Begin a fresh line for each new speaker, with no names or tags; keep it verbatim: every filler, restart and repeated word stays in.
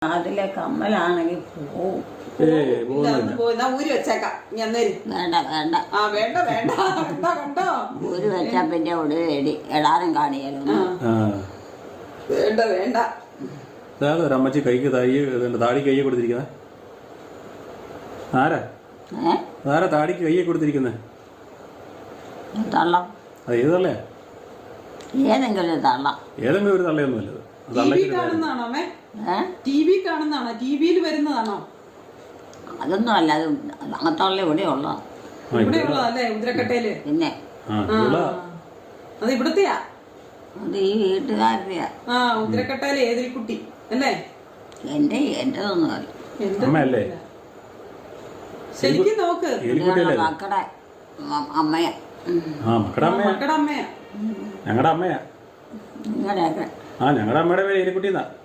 അതിലെ കമ്മലാണെങ്കിൽ പോവും.
ഊരി വെച്ചേക്കാം.
വേണ്ട വേണ്ട
ആ വേണ്ട വേണ്ട വേണ്ട കണ്ടോ.
ഊരി വെച്ചാ പിന്നെ ഒടുവി എടി എടാനും കാണിയാലോ.
വേണ്ട വേണ്ട.
ഒരമ്മച്ചി കൈക്ക് താഴി താടി കൈ കൊടുത്തിരിക്കുന്നത് ആരാ? ആരാ താടിക്ക് കൈ കൊടുത്തിരിക്കുന്നത്?
തള്ളം.
അത് ഏത് തള്ളയാ?
ഏതെങ്കിലും തള്ളം.
ഏതെങ്കിലും ഒരു തള്ളയൊന്നുമല്ല.
കാണുന്നതാണോ അമ്മേ? T V കാണുന്നതാണോ? ടി വിയിൽ വരുന്നതാണോ?
അതൊന്നും അല്ല. അത് അങ്ങനത്തുള്ള ഇവിടെ ഉള്ള
ഇവിടെ ഉള്ളതല്ലേ ഉദ്രക്കട്ടയില്?
പിന്നെ
അത് ഇവിടത്തെയാ?
അത് ഈ വീട്ടുകാരുടെയാ.
ആ ഉദ്രക്കട്ടയിലെ ഏതൊരു കുട്ടി അല്ലേ?
എന്റെ എന്റെതൊന്നും അല്ല.
ശരിക്കും നോക്ക്.
മക്കളുടെ അമ്മയാ.
മക്കളുടെ അമ്മയാ.
ഞങ്ങളുടെ അമ്മയാ.
നിങ്ങളുടെയൊക്കെ
ആ ഞങ്ങളുടെ അമ്മയുടെ പേര് എലിക്കുട്ടിന്നാ.